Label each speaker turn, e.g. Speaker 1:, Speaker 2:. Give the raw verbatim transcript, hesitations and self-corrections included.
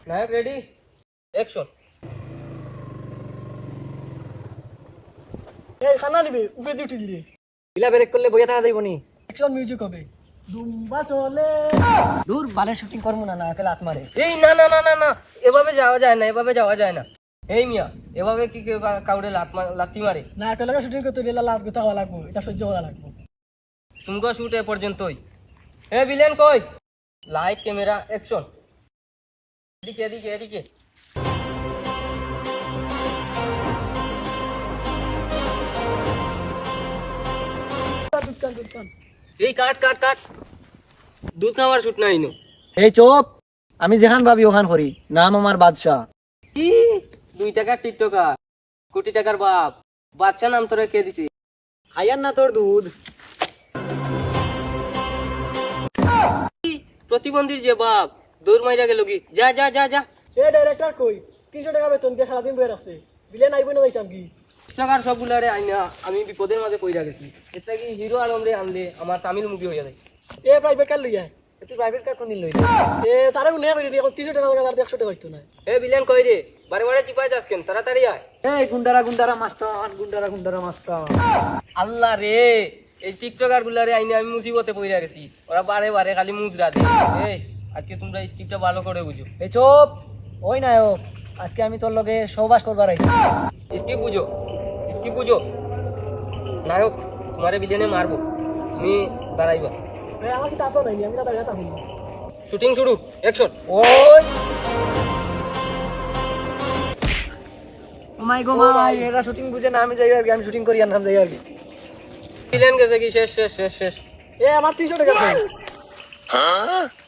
Speaker 1: नायक ready action
Speaker 2: এই খানা নিবি উপরে দিয়ে উঠি দিলে
Speaker 3: ইলা ব্রেক করলে বইয়া থাকা যাইব নি
Speaker 2: অ্যাকশন মিউজিক হবে দুম্বা চলে দূর বালে শুটিং করবো না না একালে হাত মারে
Speaker 1: এই না না না না না এভাবে যাওয়া যায় না এভাবে যাওয়া যায় না এই মিয়া এভাবে কি কেউ কা- কাউরে লাত মা- লাথি মারে
Speaker 2: না একালে শুটিং করতে গেলে লাভ গোতা হওয়া লাগবো এটা সহ্য করা লাগবো
Speaker 1: तुमको शूट है পর্যন্তই এ ভিলেন কই লাইট ক্যামেরা অ্যাকশন এদিকে এদিকে এদিকে
Speaker 2: দুকান দুকান
Speaker 1: এই কাট কাট কাট দুধ খাওয়ার শুট নাই নো
Speaker 3: এই চোপ আমি যেখান ভাবি ওখান করি নাম আমার বাদশাহ
Speaker 1: কি দুই টাকার টিকটকার কোটি টাকার বাপ বাচ্চা নাম তোরে কে দিছে
Speaker 3: আয়ার না তোর দুধ
Speaker 1: প্রতিবন্ধীর যে বাপ দৌড় মাইরা গেল কি যা যা যা যা
Speaker 2: এই ডাইরেক্টর কই তিনশো টাকা বেতন দিয়ে সারাদিন বয়ে রাখছে বিলে নাইব না যাইতাম কি
Speaker 1: টাকার সবগুলারে আইনা আমি বিপদের মাঝে পইরা গেছি এটা কি হিরো আলম রে আনলে আমার তামিল মুভি হয়ে যায়
Speaker 2: এ প্রাইভেট কার লইয়া
Speaker 3: তুই প্রাইভেট কার কোন দিন লইলি
Speaker 2: এ তারে মনে করে দিয়ে এখন তিনশো টাকা লাগা আর একশো টাকা হইতো না
Speaker 1: এ ভিলেন কই রে বারে বারে চিপাই যাস কেন তাড়াতাড়ি আয়
Speaker 3: এই গুন্ডারা গুন্ডারা মাস্টার গুন্ডারা গুন্ডারা মাস্টার
Speaker 1: আল্লাহ রে এই টিকটকার গুলারে আইনে আমি মুসিবতে পইরা গেছি ওরা বারে বারে খালি মুজরা দে এই আজকে তোমরা স্ক্রিপ্টটা ভালো করে বুঝো
Speaker 3: এই চোপ ওই নায়ক আজকে আমি তোর লগে সহবাস করবার আইছি
Speaker 1: স্ক্রিপ্ট বুঝো স্ক্রিপ্ট বুঝো নায়ক তোমারে ভিলেনে মারবো তুমি দাঁড়াইবা
Speaker 2: এ আমার কি তাতো নাই আমি না দাঁড়িয়ে থাকি
Speaker 1: শুটিং শুরু অ্যাকশন
Speaker 3: ওই ও মাই গো মাই এরা শুটিং বুঝে না আমি যাই আর কি আমি শুটিং করি আর নাম যাই আর কি
Speaker 1: ভিলেন গেছে কি শেষ শেষ শেষ শেষ
Speaker 2: এ আমার তিনশো টাকা